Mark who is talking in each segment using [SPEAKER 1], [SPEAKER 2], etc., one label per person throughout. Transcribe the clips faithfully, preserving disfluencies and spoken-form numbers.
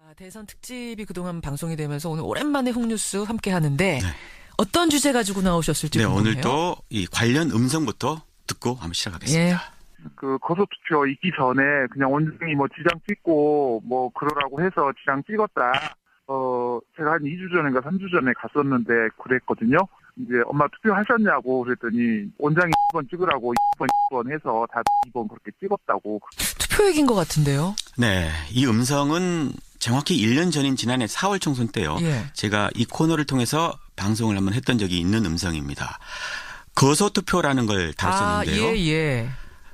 [SPEAKER 1] 대선 특집이 그동안 방송이 되면서 오늘 오랜만에 홍뉴스 함께 하는데
[SPEAKER 2] 네.
[SPEAKER 1] 어떤 주제 가지고 나오셨을지
[SPEAKER 2] 네,
[SPEAKER 1] 궁금해요.
[SPEAKER 2] 오늘도 이 관련 음성부터 듣고 한번 시작하겠습니다.
[SPEAKER 1] 예.
[SPEAKER 3] 그 거소투표 있기 전에 그냥 원장이 뭐 지장 찍고 뭐 그러라고 해서 지장 찍었다. 어 제가 한 이 주 전인가 삼 주 전에 갔었는데 그랬거든요. 이제 엄마 투표하셨냐고 그랬더니 원장이 이 번 찍으라고 이 번, 이 번 해서 다 이 번 그렇게 찍었다고.
[SPEAKER 1] 투표 얘기인 것 같은데요.
[SPEAKER 2] 네, 이 음성은 정확히 일 년 전인 지난해 사월 총선 때요.
[SPEAKER 1] 예.
[SPEAKER 2] 제가 이 코너를 통해서 방송을 한번 했던 적이 있는 음성입니다. 거소투표라는 걸 다뤘었는데요.
[SPEAKER 1] 아, 예, 예.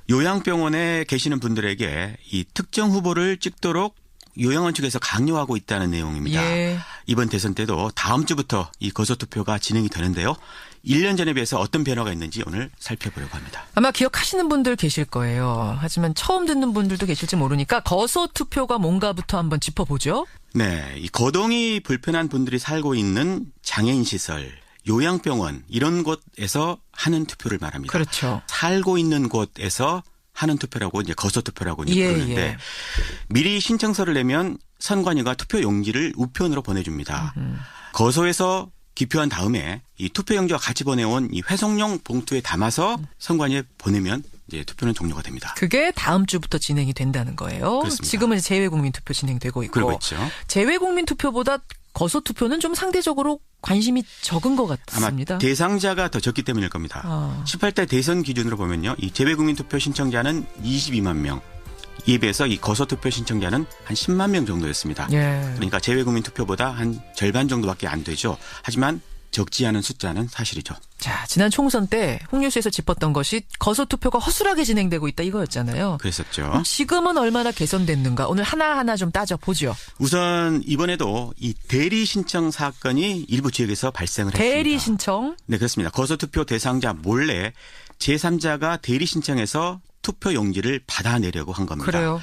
[SPEAKER 2] 요양병원에 계시는 분들에게 이 특정 후보를 찍도록 요양원 측에서 강요하고 있다는 내용입니다.
[SPEAKER 1] 예.
[SPEAKER 2] 이번 대선 때도 다음 주부터 이 거소투표가 진행이 되는데요. 일 년 전에 비해서 어떤 변화가 있는지 오늘 살펴보려고 합니다.
[SPEAKER 1] 아마 기억하시는 분들 계실 거예요. 하지만 처음 듣는 분들도 계실지 모르니까 거소투표가 뭔가부터 한번 짚어보죠.
[SPEAKER 2] 네, 이 거동이 불편한 분들이 살고 있는 장애인 시설, 요양병원 이런 곳에서 하는 투표를 말합니다.
[SPEAKER 1] 그렇죠.
[SPEAKER 2] 살고 있는 곳에서 하는 투표라고 이제 거소투표라고 이제
[SPEAKER 1] 예,
[SPEAKER 2] 부르는데
[SPEAKER 1] 예.
[SPEAKER 2] 미리 신청서를 내면 선관위가 투표 용지를 우편으로 보내줍니다.
[SPEAKER 1] 음.
[SPEAKER 2] 거소에서 기표한 다음에 이 투표용지와 같이 보내온 이 회송용 봉투에 담아서 선관위에 보내면 이제 투표는 종료가 됩니다.
[SPEAKER 1] 그게 다음 주부터 진행이 된다는 거예요.
[SPEAKER 2] 그렇습니다.
[SPEAKER 1] 지금은 재외국민투표 진행되고 있고.
[SPEAKER 2] 그러고 있죠.
[SPEAKER 1] 재외국민투표보다 거소투표는 좀 상대적으로 관심이 적은 것 같습니다.
[SPEAKER 2] 아마 대상자가 더 적기 때문일 겁니다.
[SPEAKER 1] 아.
[SPEAKER 2] 십팔 대 대선 기준으로 보면요. 이 재외국민투표 신청자는 이십이만 명. 이에 비해서 이 거소투표 신청자는 한 십만 명 정도였습니다.
[SPEAKER 1] 예.
[SPEAKER 2] 그러니까 재외국민투표보다 한 절반 정도밖에 안 되죠. 하지만 적지 않은 숫자는 사실이죠.
[SPEAKER 1] 자, 지난 총선 때 홍뉴스에서 짚었던 것이 거소투표가 허술하게 진행되고 있다 이거였잖아요.
[SPEAKER 2] 그랬었죠.
[SPEAKER 1] 지금은 얼마나 개선됐는가 오늘 하나하나 좀 따져보죠.
[SPEAKER 2] 우선 이번에도 이 대리 신청 사건이 일부 지역에서 발생을 했습니다.
[SPEAKER 1] 대리 신청.
[SPEAKER 2] 네, 그렇습니다. 거소투표 대상자 몰래 제삼자가 대리 신청해서 투표 용지를 받아내려고 한 겁니다.
[SPEAKER 1] 그래요.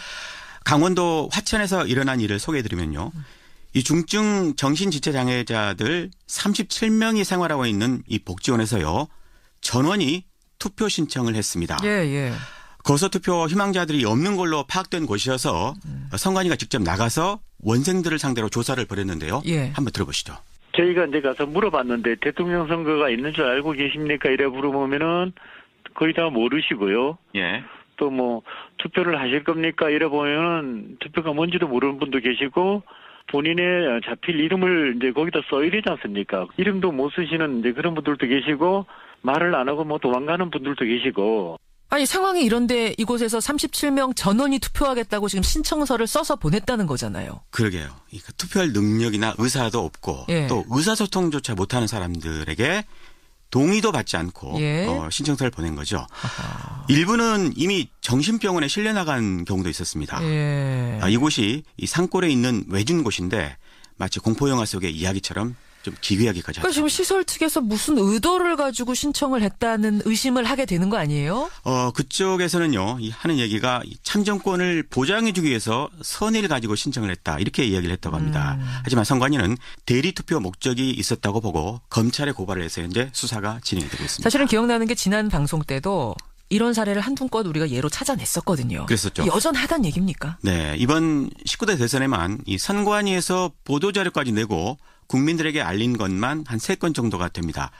[SPEAKER 2] 강원도 화천에서 일어난 일을 소개해드리면요. 이 중증 정신지체장애자들 삼십칠 명이 생활하고 있는 이 복지원에서요. 전원이 투표 신청을 했습니다.
[SPEAKER 1] 예, 예.
[SPEAKER 2] 거소투표 희망자들이 없는 걸로 파악된 곳이어서
[SPEAKER 1] 음.
[SPEAKER 2] 선관위가 직접 나가서 원생들을 상대로 조사를 벌였는데요.
[SPEAKER 1] 예.
[SPEAKER 2] 한번 들어보시죠.
[SPEAKER 4] 저희가 이제 가서 물어봤는데 대통령 선거가 있는 줄 알고 계십니까? 이래 물어보면은 거의 다 모르시고요.
[SPEAKER 2] 예.
[SPEAKER 4] 또 뭐 투표를 하실 겁니까? 이래 보면은 투표가 뭔지도 모르는 분도 계시고 본인의 자필 이름을 이제 거기다 써야 되지 않습니까? 이름도 못 쓰시는 이제 그런 분들도 계시고 말을 안 하고 뭐 도망가는 분들도 계시고.
[SPEAKER 1] 아니 상황이 이런데 이곳에서 삼십칠 명 전원이 투표하겠다고 지금 신청서를 써서 보냈다는 거잖아요.
[SPEAKER 2] 그러게요. 이 투표할 능력이나 의사도 없고
[SPEAKER 1] 예.
[SPEAKER 2] 또 의사소통조차 못하는 사람들에게 동의도 받지 않고
[SPEAKER 1] 예.
[SPEAKER 2] 어, 신청서를 보낸 거죠.
[SPEAKER 1] 아하.
[SPEAKER 2] 일부는 이미 정신병원에 실려 나간 경우도 있었습니다.
[SPEAKER 1] 예.
[SPEAKER 2] 아, 이곳이 이 산골에 있는 외진 곳인데 마치 공포영화 속의 이야기처럼 좀 기괴하기까지
[SPEAKER 1] 그러니까
[SPEAKER 2] 하죠.
[SPEAKER 1] 지금 시설 측에서 무슨 의도를 가지고 신청을 했다는 의심을 하게 되는 거 아니에요?
[SPEAKER 2] 어, 그쪽에서는요, 이 하는 얘기가 이 참정권을 보장해주기 위해서 선의를 가지고 신청을 했다. 이렇게 이야기를 했다고 합니다.
[SPEAKER 1] 음.
[SPEAKER 2] 하지만 선관위는 대리투표 목적이 있었다고 보고 검찰에 고발을 해서 현재 수사가 진행이 되고 있습니다.
[SPEAKER 1] 사실은 기억나는 게 지난 방송 때도 이런 사례를 한두 건 우리가 예로 찾아냈었거든요.
[SPEAKER 2] 그랬었죠.
[SPEAKER 1] 여전하단 얘기입니까?
[SPEAKER 2] 네, 이번 십구 대 대선에만 이 선관위에서 보도자료까지 내고 국민들에게 알린 것만 한 세 건 정도가 됩니다.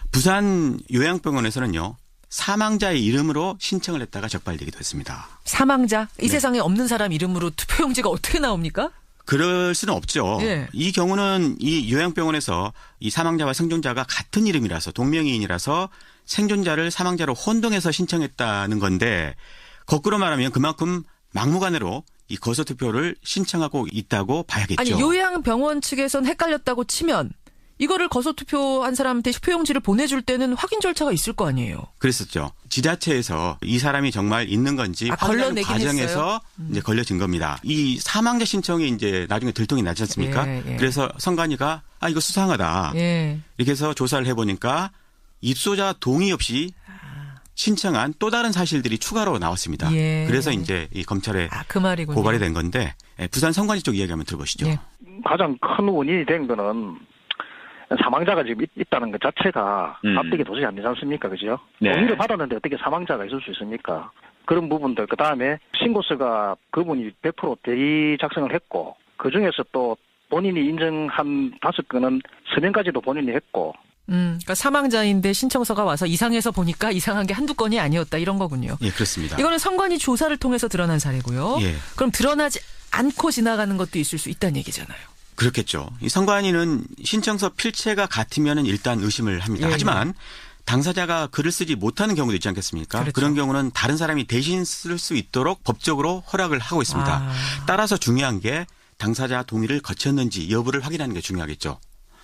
[SPEAKER 2] 부산 요양병원에서는요. 사망자의 이름으로 신청을 했다가 적발되기도 했습니다.
[SPEAKER 1] 사망자? 이
[SPEAKER 2] 네.
[SPEAKER 1] 세상에 없는 사람 이름으로 투표용지가 어떻게 나옵니까?
[SPEAKER 2] 그럴 수는 없죠.
[SPEAKER 1] 예.
[SPEAKER 2] 이 경우는 이 요양병원에서 이 사망자와 생존자가 같은 이름이라서 동명이인이라서 생존자를 사망자로 혼동해서 신청했다는 건데 거꾸로 말하면 그만큼 막무가내로 이 거소투표를 신청하고 있다고 봐야겠죠.
[SPEAKER 1] 아니 요양병원 측에선 헷갈렸다고 치면 이거를 거소투표한 사람한테 투표용지를 보내줄 때는 확인 절차가 있을 거 아니에요.
[SPEAKER 2] 그랬었죠. 지자체에서 이 사람이 정말 있는 건지
[SPEAKER 1] 아,
[SPEAKER 2] 확인하는
[SPEAKER 1] 걸러내긴
[SPEAKER 2] 과정에서
[SPEAKER 1] 했어요? 음.
[SPEAKER 2] 이제 걸려진 겁니다. 이 사망자 신청이 이제 나중에 들통이 나지 않습니까?
[SPEAKER 1] 예, 예.
[SPEAKER 2] 그래서 선관위가 아 이거 수상하다.
[SPEAKER 1] 예.
[SPEAKER 2] 이렇게 해서 조사를 해보니까 입소자 동의 없이 신청한 또 다른 사실들이 추가로 나왔습니다.
[SPEAKER 1] 예.
[SPEAKER 2] 그래서 이제 이 검찰에
[SPEAKER 1] 아, 그 말이군요.
[SPEAKER 2] 고발이 된 건데 부산 선관위 쪽 이야기 한번 들어보시죠.
[SPEAKER 1] 예.
[SPEAKER 4] 가장 큰 원인이 된 거는 사망자가 지금 있, 있다는 것 자체가
[SPEAKER 2] 음.
[SPEAKER 4] 납득이 도저히 안 되지 않습니까? 그죠?
[SPEAKER 2] 네.
[SPEAKER 4] 동의를 받았는데 어떻게 사망자가 있을 수 있습니까? 그런 부분들, 그 다음에 신고서가 그분이 백 퍼센트 대리 작성을 했고,
[SPEAKER 5] 그중에서 또 본인이 인정한 다섯 건은 서명까지도 본인이 했고.
[SPEAKER 1] 음, 그러니까 사망자인데 신청서가 와서 이상해서 보니까 이상한 게 한두 건이 아니었다 이런 거군요.
[SPEAKER 2] 예, 그렇습니다.
[SPEAKER 1] 이거는 선관위 조사를 통해서 드러난 사례고요.
[SPEAKER 2] 예.
[SPEAKER 1] 그럼 드러나지 않고 지나가는 것도 있을 수 있다는 얘기잖아요.
[SPEAKER 2] 그렇겠죠. 이 선관위는 신청서 필체가 같으면 일단 의심을 합니다.
[SPEAKER 1] 예,
[SPEAKER 2] 하지만 당사자가 글을 쓰지 못하는 경우도 있지 않겠습니까?
[SPEAKER 1] 그렇죠.
[SPEAKER 2] 그런 경우는 다른 사람이 대신 쓸 수 있도록 법적으로 허락을 하고 있습니다.
[SPEAKER 1] 아.
[SPEAKER 2] 따라서 중요한 게 당사자 동의를 거쳤는지 여부를 확인하는 게 중요하겠죠.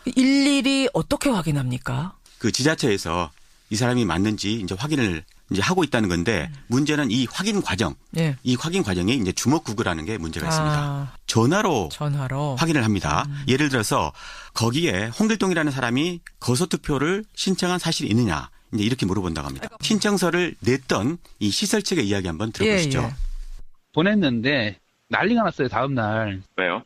[SPEAKER 1] 일일이 어떻게 확인합니까?
[SPEAKER 2] 그 지자체에서 이 사람이 맞는지 이제 확인을 이제 하고 있다는 건데 문제는 이 확인 과정,
[SPEAKER 1] 예.
[SPEAKER 2] 이 확인 과정에 이제 주먹구구라는 게 문제가 있습니다.
[SPEAKER 1] 아,
[SPEAKER 2] 전화로
[SPEAKER 1] 전화로.
[SPEAKER 2] 확인을 합니다.
[SPEAKER 1] 음.
[SPEAKER 2] 예를 들어서 거기에 홍길동이라는 사람이 거소투표를 신청한 사실이 있느냐 이제 이렇게 물어본다고 합니다. 신청서를 냈던 이 시설 측의 이야기 한번 들어보시죠.
[SPEAKER 1] 예, 예.
[SPEAKER 6] 보냈는데 난리가 났어요. 다음 날
[SPEAKER 4] 왜요?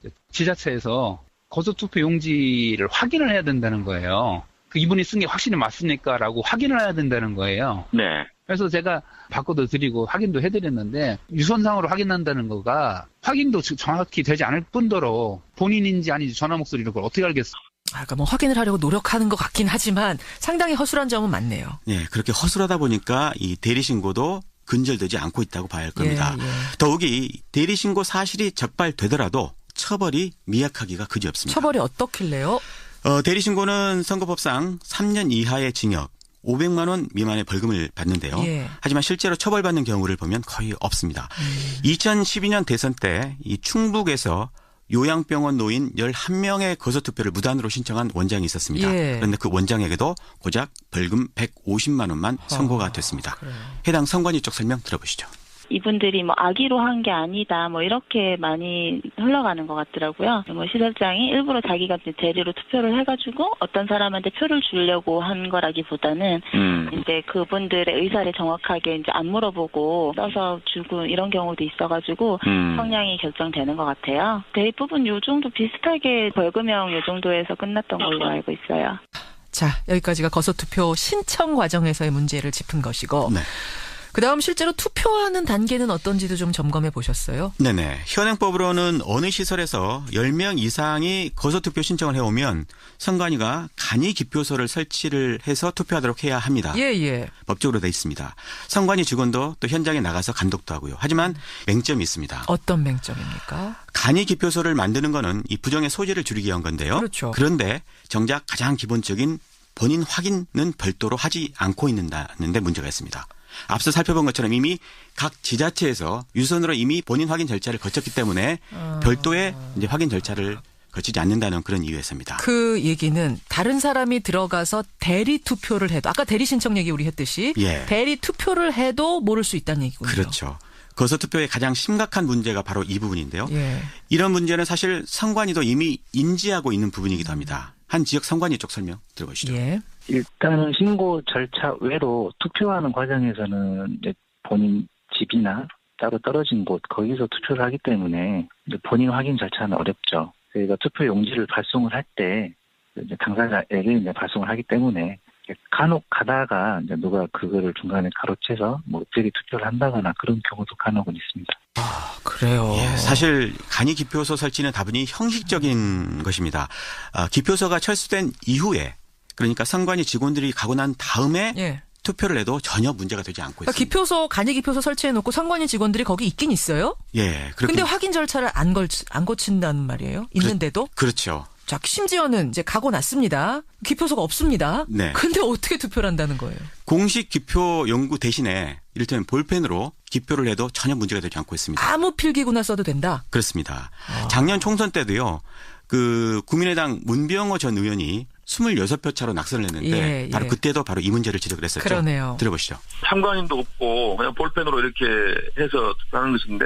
[SPEAKER 6] 지자체에서 거소투표 용지를 확인을 해야 된다는 거예요. 그 이분이 쓴 게 확실히 맞습니까?라고 확인을 해야 된다는 거예요.
[SPEAKER 4] 네.
[SPEAKER 6] 그래서 제가 바꿔도 드리고 확인도 해드렸는데 유선상으로 확인한다는 거가 확인도 정확히 되지 않을 뿐더러 본인인지 아닌지 전화 목소리를 그걸 어떻게 알겠어?
[SPEAKER 1] 아, 그러니까 뭐 확인을 하려고 노력하는 것 같긴 하지만 상당히 허술한 점은 많네요.
[SPEAKER 2] 네, 그렇게 허술하다 보니까 이 대리신고도 근절되지 않고 있다고 봐야 할 겁니다.
[SPEAKER 1] 예, 예.
[SPEAKER 2] 더욱이 대리신고 사실이 적발되더라도 처벌이 미약하기가 그지없습니다.
[SPEAKER 1] 처벌이 어떻길래요?
[SPEAKER 2] 어, 대리신고는 선거법상 삼 년 이하의 징역, 오백만 원 미만의 벌금을 받는데요.
[SPEAKER 1] 예.
[SPEAKER 2] 하지만 실제로 처벌받는 경우를 보면 거의 없습니다.
[SPEAKER 1] 음.
[SPEAKER 2] 이천십이 년 대선 때 이 충북에서 요양병원 노인 열한 명의 거소투표를 무단으로 신청한 원장이 있었습니다.
[SPEAKER 1] 예.
[SPEAKER 2] 그런데 그 원장에게도 고작 벌금 백오십만 원만 선고가 됐습니다.
[SPEAKER 1] 그래요.
[SPEAKER 2] 해당 선관위 쪽 설명 들어보시죠.
[SPEAKER 7] 이분들이 뭐 악의로 한 게 아니다 뭐 이렇게 많이 흘러가는 것 같더라고요. 뭐 시설장이 일부러 자기가 이제 대리로 투표를 해가지고 어떤 사람한테 표를 주려고 한 거라기보다는
[SPEAKER 4] 음.
[SPEAKER 7] 이제 그분들의 의사를 정확하게 이제 안 물어보고 써서 주고 이런 경우도 있어가지고
[SPEAKER 4] 음.
[SPEAKER 7] 성향이 결정되는 것 같아요. 대부분 요 정도 비슷하게 벌금형 요 정도에서 끝났던 걸로 알고 있어요.
[SPEAKER 1] 자, 여기까지가 거소투표 신청 과정에서의 문제를 짚은 것이고
[SPEAKER 2] 네.
[SPEAKER 1] 그다음 실제로 투표하는 단계는 어떤지도 좀 점검해 보셨어요?
[SPEAKER 2] 네네. 현행법으로는 어느 시설에서 열 명 이상이 거소투표 신청을 해오면 선관위가 간이 기표소를 설치를 해서 투표하도록 해야 합니다.
[SPEAKER 1] 예, 예.
[SPEAKER 2] 법적으로 돼 있습니다. 선관위 직원도 또 현장에 나가서 감독도 하고요. 하지만 맹점이 있습니다.
[SPEAKER 1] 어떤 맹점입니까?
[SPEAKER 2] 간이 기표소를 만드는 거는 이 부정의 소지를 줄이기 위한 건데요.
[SPEAKER 1] 그렇죠.
[SPEAKER 2] 그런데 정작 가장 기본적인 본인 확인은 별도로 하지 않고 있는다는데 문제가 있습니다. 앞서 살펴본 것처럼 이미 각 지자체에서 유선으로 이미 본인 확인 절차를 거쳤기 때문에
[SPEAKER 1] 어.
[SPEAKER 2] 별도의 이제 확인 절차를 거치지 않는다는 그런 이유에서입니다.
[SPEAKER 1] 그 얘기는 다른 사람이 들어가서 대리 투표를 해도 아까 대리 신청 얘기 우리 했듯이
[SPEAKER 2] 예.
[SPEAKER 1] 대리 투표를 해도 모를 수 있다는 얘기군요.
[SPEAKER 2] 그렇죠. 거소투표의 가장 심각한 문제가 바로 이 부분인데요.
[SPEAKER 1] 예.
[SPEAKER 2] 이런 문제는 사실 선관위도 이미 인지하고 있는 부분이기도 합니다. 한 지역 선관위 쪽 설명 들어보시죠.
[SPEAKER 1] 예.
[SPEAKER 5] 일단은 신고 절차 외로 투표하는 과정에서는 이제 본인 집이나 따로 떨어진 곳 거기서 투표를 하기 때문에 이제 본인 확인 절차는 어렵죠. 저희가 투표 용지를 발송을 할 때 이제 당사자에게 이제 발송을 하기 때문에 간혹 가다가 이제 누가 그거를 중간에 가로채서 뭐 엎드리 투표를 한다거나 그런 경우도 간혹은 있습니다.
[SPEAKER 1] 아, 그래요.
[SPEAKER 2] 예, 사실 간이 기표소 설치는 다분히 형식적인 것입니다. 아, 기표소가 철수된 이후에 그러니까 선관위 직원들이 가고 난 다음에
[SPEAKER 1] 예.
[SPEAKER 2] 투표를 해도 전혀 문제가 되지 않고
[SPEAKER 1] 그러니까
[SPEAKER 2] 있습니다.
[SPEAKER 1] 기표소 간이 기표소 설치해 놓고 선관위 직원들이 거기 있긴 있어요.
[SPEAKER 2] 예, 그렇게
[SPEAKER 1] 근데 확인 절차를 안 걸 안 거친다는 말이에요. 있는데도.
[SPEAKER 2] 그렇죠.
[SPEAKER 1] 자, 심지어는 이제 가고 났습니다. 기표소가 없습니다.
[SPEAKER 2] 네.
[SPEAKER 1] 근데 어떻게 투표를 한다는 거예요?
[SPEAKER 2] 공식 기표 연구 대신에 이를테면 볼펜으로 기표를 해도 전혀 문제가 되지 않고 있습니다.
[SPEAKER 1] 아무 필기구나 써도 된다.
[SPEAKER 2] 그렇습니다.
[SPEAKER 1] 아.
[SPEAKER 2] 작년 총선 때도요. 그 국민의당 문병호 전 의원이 이십육 표 차로 낙선을 했는데
[SPEAKER 1] 예, 예.
[SPEAKER 2] 바로 그때도 바로 이 문제를 지적을 했었죠.
[SPEAKER 1] 그러네요.
[SPEAKER 2] 들어보시죠.
[SPEAKER 8] 참관인도 없고 그냥 볼펜으로 이렇게 해서 하는 것인데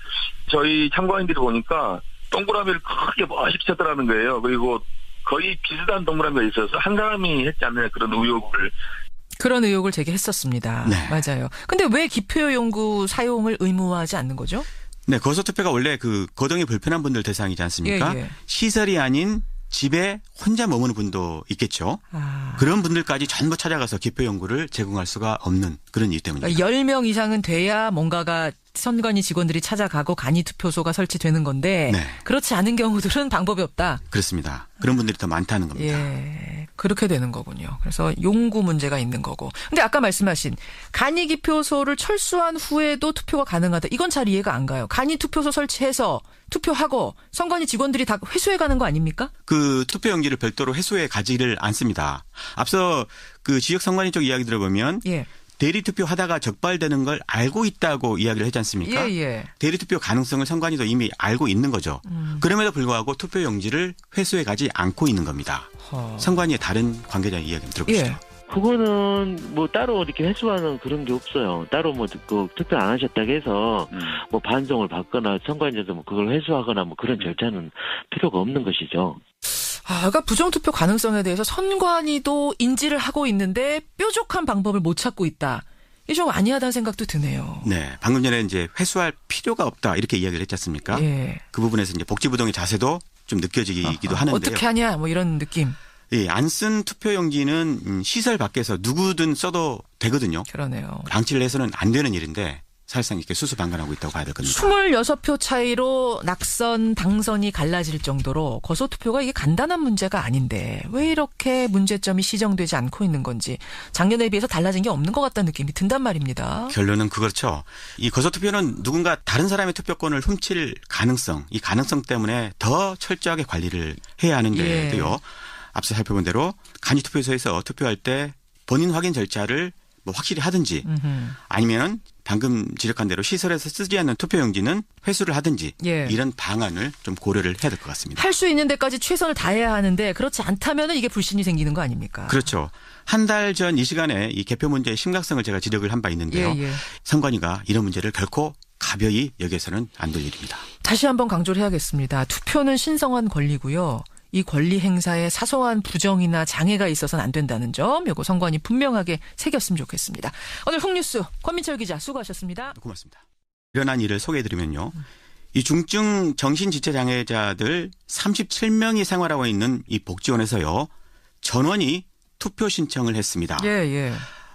[SPEAKER 8] 저희 참관인들이 보니까 동그라미를 크게 멋있게 쳤더라는 거예요. 그리고 거의 비슷한 동그라미가 있어서 한 사람이 했지 않느냐 그런 의혹을.
[SPEAKER 1] 그런 의혹을 제기했었습니다.
[SPEAKER 2] 네. 맞아요.
[SPEAKER 1] 근데 왜 기표 연구 사용을 의무화하지 않는 거죠?
[SPEAKER 2] 네, 거소투표가 원래 그 거동이 불편한 분들 대상이지 않습니까?
[SPEAKER 1] 예, 예.
[SPEAKER 2] 시설이 아닌 집에 혼자 머무는 분도 있겠죠.
[SPEAKER 1] 아.
[SPEAKER 2] 그런 분들까지 전부 찾아가서 기표 연구를 제공할 수가 없는 그런 이유 때문입니다.
[SPEAKER 1] 그러니까 열 명 이상은 돼야 뭔가가 선관위 직원들이 찾아가고 간이 투표소가 설치되는 건데
[SPEAKER 2] 네.
[SPEAKER 1] 그렇지 않은 경우들은 방법이 없다.
[SPEAKER 2] 그렇습니다. 그런 분들이 더 많다는 겁니다.
[SPEAKER 1] 예, 그렇게 되는 거군요. 그래서 용구 문제가 있는 거고. 근데 아까 말씀하신 간이 기표소를 철수한 후에도 투표가 가능하다. 이건 잘 이해가 안 가요. 간이 투표소 설치해서 투표하고 선관위 직원들이 다 회수해 가는 거 아닙니까?
[SPEAKER 2] 그 투표용지를 별도로 회수해 가지를 않습니다. 앞서 그 지역 선관위 쪽 이야기 들어보면
[SPEAKER 1] 예.
[SPEAKER 2] 대리투표 하다가 적발되는 걸 알고 있다고 이야기를 했지 않습니까?
[SPEAKER 1] 예, 예.
[SPEAKER 2] 대리투표 가능성을 선관위도 이미 알고 있는 거죠.
[SPEAKER 1] 음.
[SPEAKER 2] 그럼에도 불구하고 투표용지를 회수해 가지 않고 있는 겁니다.
[SPEAKER 1] 허.
[SPEAKER 2] 선관위의 다른 관계자 이야기 들어보시죠.
[SPEAKER 1] 예.
[SPEAKER 9] 그거는 뭐 따로 이렇게 회수하는 그런 게 없어요. 따로 뭐 그 투표 안 하셨다고 해서
[SPEAKER 2] 음.
[SPEAKER 9] 뭐 반송을 받거나 선관위에서 뭐 그걸 회수하거나 뭐 그런 절차는 필요가 없는 것이죠.
[SPEAKER 1] 아, 그러니까 부정투표 가능성에 대해서 선관위도 인지를 하고 있는데 뾰족한 방법을 못 찾고 있다. 이게 좀 아니하다는 생각도 드네요.
[SPEAKER 2] 네, 방금 전에 이제 회수할 필요가 없다 이렇게 이야기를 했지 않습니까?
[SPEAKER 1] 예.
[SPEAKER 2] 그 부분에서 이제 복지부동의 자세도 좀 느껴지기도
[SPEAKER 1] 아하.
[SPEAKER 2] 하는데요.
[SPEAKER 1] 어떻게 하냐 뭐 이런 느낌.
[SPEAKER 2] 예, 안 쓴 투표용지는 음, 시설 밖에서 누구든 써도 되거든요.
[SPEAKER 1] 그러네요.
[SPEAKER 2] 방치를 해서는 안 되는 일인데 사실상 이렇게 수수방관하고 있다고 봐야 될 겁니다.
[SPEAKER 1] 이십육 표 차이로 낙선, 당선이 갈라질 정도로 거소투표가 이게 간단한 문제가 아닌데 왜 이렇게 문제점이 시정되지 않고 있는 건지 작년에 비해서 달라진 게 없는 것 같다는 느낌이 든단 말입니다.
[SPEAKER 2] 결론은 그렇죠. 이 거소투표는 누군가 다른 사람의 투표권을 훔칠 가능성, 이 가능성 때문에 더 철저하게 관리를 해야 하는데도요.
[SPEAKER 1] 예.
[SPEAKER 2] 앞서 살펴본 대로 간이투표소에서 투표할 때 본인 확인 절차를 뭐 확실히 하든지
[SPEAKER 1] 음흠.
[SPEAKER 2] 아니면 방금 지적한 대로 시설에서 쓰지 않는 투표용지는 회수를 하든지
[SPEAKER 1] 예.
[SPEAKER 2] 이런 방안을 좀 고려를 해야 될 것 같습니다.
[SPEAKER 1] 할 수 있는 데까지 최선을 다해야 하는데 그렇지 않다면 이게 불신이 생기는 거 아닙니까?
[SPEAKER 2] 그렇죠. 한 달 전 이 시간에 이 개표 문제의 심각성을 제가 지적을 한 바 있는데요.
[SPEAKER 1] 예, 예.
[SPEAKER 2] 선관위가 이런 문제를 결코 가벼이 여겨서는 안 될 일입니다.
[SPEAKER 1] 다시 한번 강조를 해야겠습니다. 투표는 신성한 권리고요. 이 권리 행사에 사소한 부정이나 장애가 있어서는 안 된다는 점, 요거 선관위 분명하게 새겼으면 좋겠습니다. 오늘 홍뉴스 권민철 기자 수고하셨습니다.
[SPEAKER 2] 고맙습니다. 일어난 일을 소개해드리면요. 이 중증 정신지체장애자들 삼십칠 명이 생활하고 있는 이 복지원에서요. 전원이 투표 신청을 했습니다.
[SPEAKER 1] 예, 예.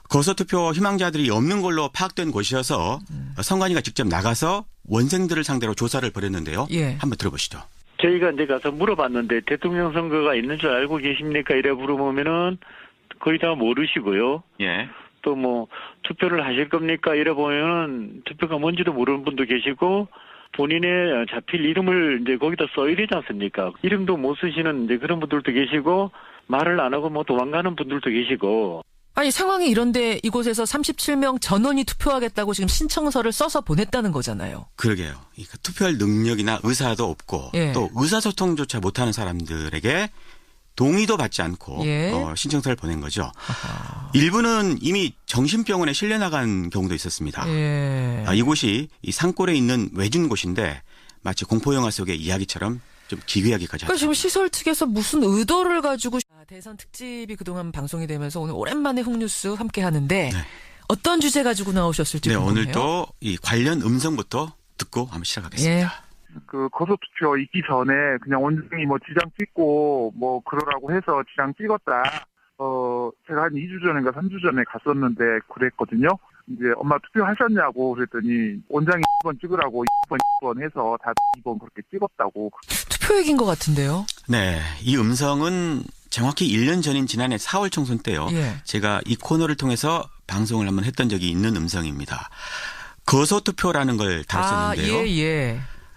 [SPEAKER 2] 거소투표 희망자들이 없는 걸로 파악된 곳이어서
[SPEAKER 1] 음.
[SPEAKER 2] 선관위가 직접 나가서 원생들을 상대로 조사를 벌였는데요.
[SPEAKER 1] 예.
[SPEAKER 2] 한번 들어보시죠.
[SPEAKER 4] 저희가 이제 가서 물어봤는데 대통령 선거가 있는 줄 알고 계십니까? 이래 물어보면은 거의 다 모르시고요.
[SPEAKER 2] 예.
[SPEAKER 4] 또 뭐 투표를 하실 겁니까? 이래 보면은 투표가 뭔지도 모르는 분도 계시고 본인의 자필 이름을 이제 거기다 써야 되지 않습니까? 이름도 못 쓰시는 이제 그런 분들도 계시고 말을 안 하고 뭐 도망가는 분들도 계시고.
[SPEAKER 1] 아니 상황이 이런데 이곳에서 삼십칠 명 전원이 투표하겠다고 지금 신청서를 써서 보냈다는 거잖아요.
[SPEAKER 2] 그러게요. 이 투표할 능력이나 의사도 없고
[SPEAKER 1] 예.
[SPEAKER 2] 또 의사소통조차 못하는 사람들에게 동의도 받지 않고
[SPEAKER 1] 예.
[SPEAKER 2] 어, 신청서를 보낸 거죠.
[SPEAKER 1] 아하.
[SPEAKER 2] 일부는 이미 정신병원에 실려나간 경우도 있었습니다.
[SPEAKER 1] 예.
[SPEAKER 2] 아, 이곳이 이 산골에 있는 외진 곳인데 마치 공포영화 속의 이야기처럼 좀 기괴하기까지
[SPEAKER 1] 그러니까
[SPEAKER 2] 하죠.
[SPEAKER 1] 지금 시설 측에서 무슨 의도를 가지고 대선 특집이 그동안 방송이 되면서 오늘 오랜만에 홍뉴스 함께 하는데
[SPEAKER 2] 네.
[SPEAKER 1] 어떤 주제 가지고 나오셨을지
[SPEAKER 2] 네,
[SPEAKER 1] 궁금해요.
[SPEAKER 2] 오늘도 이 관련 음성부터 듣고 한번 시작하겠습니다.
[SPEAKER 1] 예.
[SPEAKER 3] 그 거소투표 있기 전에 그냥 원장이 뭐 지장 찍고 뭐 그러라고 해서 지장 찍었다. 어 제가 한 이 주 전인가 삼 주 전에 갔었는데 그랬거든요. 이제 엄마 투표하셨냐고 그랬더니 원장이 이 번 찍으라고 이 번, 이 번 해서 다 이 번 그렇게 찍었다고.
[SPEAKER 1] 투표 얘기인 것 같은데요.
[SPEAKER 2] 네, 이 음성은 정확히 일 년 전인 지난해 사월 총선 때요.
[SPEAKER 1] 예.
[SPEAKER 2] 제가 이 코너를 통해서 방송을 한번 했던 적이 있는 음성입니다. 거소투표라는 걸 다뤘었는데요.
[SPEAKER 1] 아, 예, 예.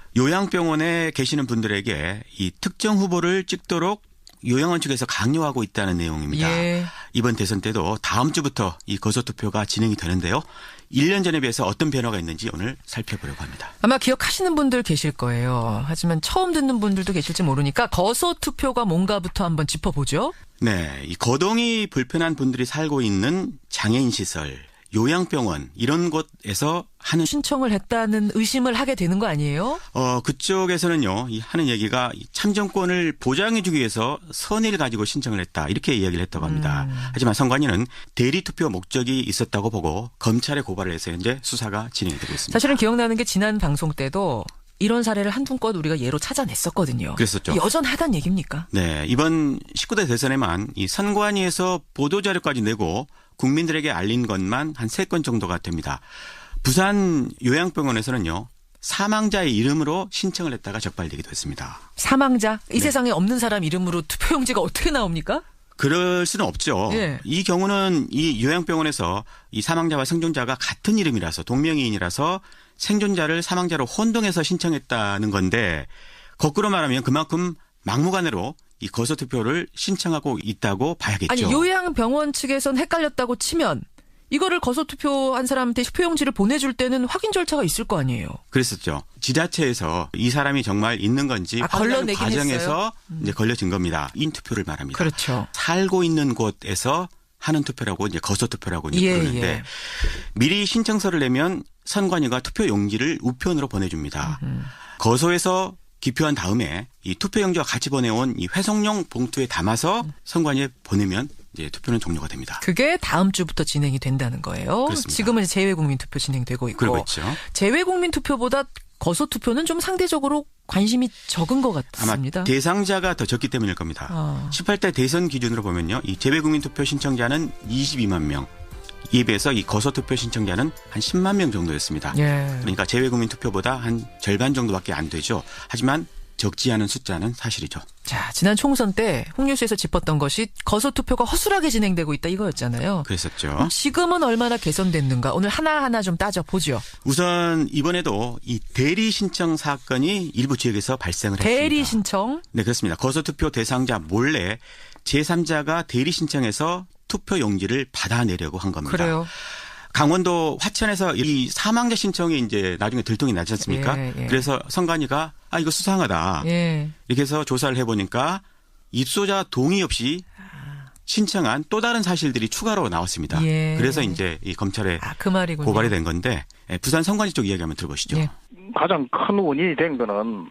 [SPEAKER 2] 요양병원에 계시는 분들에게 이 특정 후보를 찍도록 요양원 측에서 강요하고 있다는 내용입니다.
[SPEAKER 1] 예.
[SPEAKER 2] 이번 대선 때도 다음 주부터 이 거소투표가 진행이 되는데요. 일 년 전에 비해서 어떤 변화가 있는지 오늘 살펴보려고 합니다.
[SPEAKER 1] 아마 기억하시는 분들 계실 거예요. 하지만 처음 듣는 분들도 계실지 모르니까 거소투표가 뭔가부터 한번 짚어보죠.
[SPEAKER 2] 네, 이 거동이 불편한 분들이 살고 있는 장애인 시설, 요양병원 이런 곳에서 하는
[SPEAKER 1] 신청을 했다는 의심을 하게 되는 거 아니에요?
[SPEAKER 2] 어 그쪽에서는요 이 하는 얘기가 이 참정권을 보장해주기 위해서 선의를 가지고 신청을 했다 이렇게 이야기를 했다고 합니다.
[SPEAKER 1] 음.
[SPEAKER 2] 하지만 선관위는 대리 투표 목적이 있었다고 보고 검찰에 고발을 해서 현재 수사가 진행이 되고 있습니다.
[SPEAKER 1] 사실은 기억나는 게 지난 방송 때도 이런 사례를 한두 건 우리가 예로 찾아냈었거든요.
[SPEAKER 2] 그랬었죠.
[SPEAKER 1] 여전하단 얘기입니까?
[SPEAKER 2] 네, 이번 십구 대 대선에만 이 선관위에서 보도자료까지 내고 국민들에게 알린 것만 한 세 건 정도가 됩니다. 부산 요양병원에서는요. 사망자의 이름으로 신청을 했다가 적발되기도 했습니다.
[SPEAKER 1] 사망자? 이
[SPEAKER 2] 네.
[SPEAKER 1] 세상에 없는 사람 이름으로 투표용지가 어떻게 나옵니까?
[SPEAKER 2] 그럴 수는 없죠.
[SPEAKER 1] 예.
[SPEAKER 2] 이 경우는 이 요양병원에서 이 사망자와 생존자가 같은 이름이라서 동명이인이라서 생존자를 사망자로 혼동해서 신청했다는 건데 거꾸로 말하면 그만큼 막무가내로 이 거소투표를 신청하고 있다고 봐야겠죠.
[SPEAKER 1] 아니 요양병원 측에선 헷갈렸다고 치면 이거를 거소투표한 사람한테 투표용지를 보내줄 때는 확인 절차가 있을 거 아니에요.
[SPEAKER 2] 그랬었죠. 지자체에서 이 사람이 정말 있는 건지
[SPEAKER 1] 아,
[SPEAKER 2] 확인하는
[SPEAKER 1] 걸러내긴
[SPEAKER 2] 과정에서
[SPEAKER 1] 했어요?
[SPEAKER 2] 이제 걸려진 겁니다. 인투표를 말합니다.
[SPEAKER 1] 그렇죠.
[SPEAKER 2] 살고 있는 곳에서 하는 투표라고 이제 거소투표라고 이제
[SPEAKER 1] 예,
[SPEAKER 2] 부르는데
[SPEAKER 1] 예.
[SPEAKER 2] 미리 신청서를 내면 선관위가 투표 용지를 우편으로 보내줍니다.
[SPEAKER 1] 음.
[SPEAKER 2] 거소에서 기표한 다음에 이 투표용지와 같이 보내온 이 회송용 봉투에 담아서 선관위에 보내면 이제 투표는 종료가 됩니다.
[SPEAKER 1] 그게 다음 주부터 진행이 된다는 거예요.
[SPEAKER 2] 그렇습니다.
[SPEAKER 1] 지금은 재외국민 투표 진행되고 있고
[SPEAKER 2] 그러고 있죠.
[SPEAKER 1] 재외국민 투표보다 거소 투표는 좀 상대적으로 관심이 적은 것 같습니다.
[SPEAKER 2] 아마 대상자가 더 적기 때문일 겁니다.
[SPEAKER 1] 아.
[SPEAKER 2] 십팔 대 대선 기준으로 보면요. 이 재외국민 투표 신청자는 이십이만 명. 이에 비해서 이 거소투표 신청자는 한 십만 명 정도였습니다.
[SPEAKER 1] 예.
[SPEAKER 2] 그러니까 재외국민 투표보다 한 절반 정도밖에 안 되죠. 하지만 적지 않은 숫자는 사실이죠.
[SPEAKER 1] 자, 지난 총선 때 홍뉴스에서 짚었던 것이 거소투표가 허술하게 진행되고 있다 이거였잖아요.
[SPEAKER 2] 그랬었죠.
[SPEAKER 1] 지금은 얼마나 개선됐는가 오늘 하나하나 좀 따져보죠.
[SPEAKER 2] 우선 이번에도 이 대리 신청 사건이 일부 지역에서 발생을 했습니다.
[SPEAKER 1] 대리 신청?
[SPEAKER 2] 네, 그렇습니다. 거소투표 대상자 몰래 제삼자가 대리 신청해서 투표 용지를 받아내려고 한 겁니다.
[SPEAKER 1] 그래요.
[SPEAKER 2] 강원도 화천에서 이 사망자 신청이 이제 나중에 들통이 나지 않습니까?
[SPEAKER 1] 예, 예.
[SPEAKER 2] 그래서 선관위가 아 이거 수상하다.
[SPEAKER 1] 예.
[SPEAKER 2] 이렇게 해서 조사를 해보니까 입소자 동의 없이 신청한 또 다른 사실들이 추가로 나왔습니다.
[SPEAKER 1] 예.
[SPEAKER 2] 그래서 이제 이 검찰에
[SPEAKER 1] 아, 그 말이군요.
[SPEAKER 2] 고발이 된 건데 부산 선관위 쪽 이야기 한번 들어보시죠.
[SPEAKER 1] 예.
[SPEAKER 10] 가장 큰 원인이 된 거는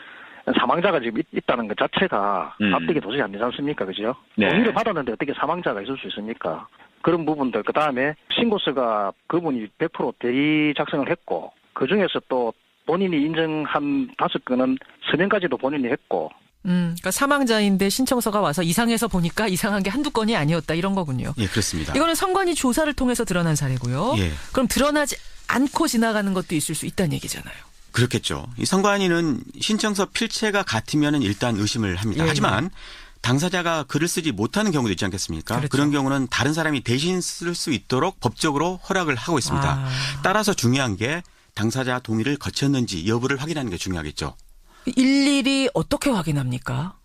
[SPEAKER 10] 사망자가 지금 있, 있다는 것 자체가
[SPEAKER 9] 음.
[SPEAKER 10] 납득이 도저히 안 되지 않습니까? 그죠?
[SPEAKER 9] 네.
[SPEAKER 10] 동의를 받았는데 어떻게 사망자가 있을 수 있습니까? 그런 부분들, 그 다음에 신고서가 그분이 백 퍼센트 대리 작성을 했고, 그 중에서 또 본인이 인정한 다섯 건은 서명까지도 본인이 했고,
[SPEAKER 1] 음, 그러니까 사망자인데 신청서가 와서 이상해서 보니까 이상한 게 한두 건이 아니었다 이런 거군요.
[SPEAKER 2] 예, 그렇습니다.
[SPEAKER 1] 이거는 선관위 조사를 통해서 드러난 사례고요.
[SPEAKER 2] 예.
[SPEAKER 1] 그럼 드러나지 않고 지나가는 것도 있을 수 있다는 얘기잖아요.
[SPEAKER 2] 그렇겠죠. 이 선관위는 신청서 필체가 같으면 일단 의심을 합니다.
[SPEAKER 1] 예.
[SPEAKER 2] 하지만 당사자가 글을 쓰지 못하는 경우도 있지 않겠습니까?
[SPEAKER 1] 그렇죠.
[SPEAKER 2] 그런 경우는 다른 사람이 대신 쓸 수 있도록 법적으로 허락을 하고 있습니다.
[SPEAKER 1] 아.
[SPEAKER 2] 따라서 중요한 게 당사자 동의를 거쳤는지 여부를 확인하는 게 중요하겠죠.
[SPEAKER 1] 일일이 어떻게 확인합니까?